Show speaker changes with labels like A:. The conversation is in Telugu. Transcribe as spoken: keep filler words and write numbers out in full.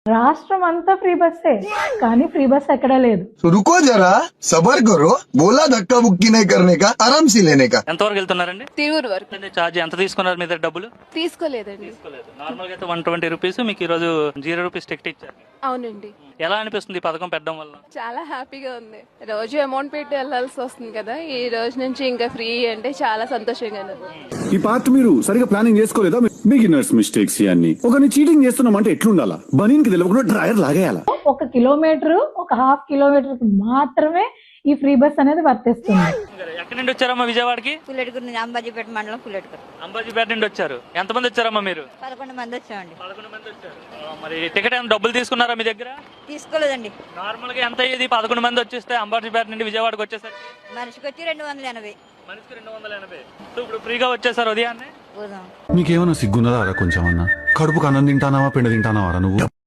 A: రాష్ట్రం అంతా ఫ్రీ బస్సే, కానీ ఫ్రీ బస్ ఎక్కడా లేదు.
B: तो रुको जरा सबर करो, बोला धक्का बुक्की नहीं करने का, आराम से लेने का.
C: ఎంతవరకు వెళ్తున్నారండి?
D: తిరువురు వరకు
C: అంటే ఛార్జ్ ఎంత తీసుకున్నారు మీ దగ్గర డబ్బులు?
D: తీసుకోలేదండి.
C: తీసుకోలేదు. నార్మల్ గా అయితే వన్ ట్వంటీ రూపీస్, మీకు ఈ రోజు జీరో రూపీస్ టికెట్ ఇచ్చారు.
D: అవునండి.
C: ఎలా అనిపిస్తుంది ఈ పథకం పెట్టడం వల్ల?
D: చాలా హ్యాపీగా ఉంది. రోజు అమౌంట్ పెట్టి వెళ్ళాల్సి వస్తుంది కదా, ఈ రోజు నుంచి ఇంకా ఫ్రీ అంటే చాలా సంతోషంగా ఉంది.
E: ఈ పార్ట్ మీరు సరిగా ప్లానింగ్ చేసుకోలేదా? బిగినర్స్ మిస్టేక్స్ ఇవన్నీ. ఒకరిని చీటింగ్ చేస్తున్నామంటే ఎట్లుండాలా? బనీన్ కి తెలియకుండా డ్రైవర్ లాగేయాలా?
A: ఒక కిలోమీటర్ ఒక హాఫ్ కిలోమీటర్ మాత్రమే ఈ ఫ్రీ బస్ అనేది వర్తిస్తుంది.
C: ఎక్కడి నుండి వచ్చారమ్మా విజయవాడకి?
F: పుల్లెటూరు నుంచి, అంబాజీపేట మండలం పుల్లెటూరు.
C: అంబాజీపేట నుండి వచ్చారు. ఎంతమంది వచ్చారమ్మా మీరు?
F: పదకొండు మంది వచ్చామండి.
C: పదకొండు మంది వచ్చారు. ఆ, మరి టికెట్ ఏమైనా డబ్బులు తీసుకున్నారా మీ దగ్గర?
F: తీసుకోలేదండి.
C: నార్మల్ గా ఎంత అయ్యేది పదకొండు మంది వచ్చేస్తే అంబాజీపేట నుండి విజయవాడకి వచ్చేసరికి?
F: మనిషికి వచ్చి రెండు వందల ఎనభై.
C: మనిషికి రెండు వందల ఎనభై. సో ఇప్పుడు ఫ్రీగా వచ్చేసారు ఉదయాన్నే.
F: పోదాం.
E: నీకేమన్నా సిగ్గున్నదా కొంచెం అన్నా? కడుపుకు అన్నం తింటానావా పిండి తింటానావారా నువ్వు?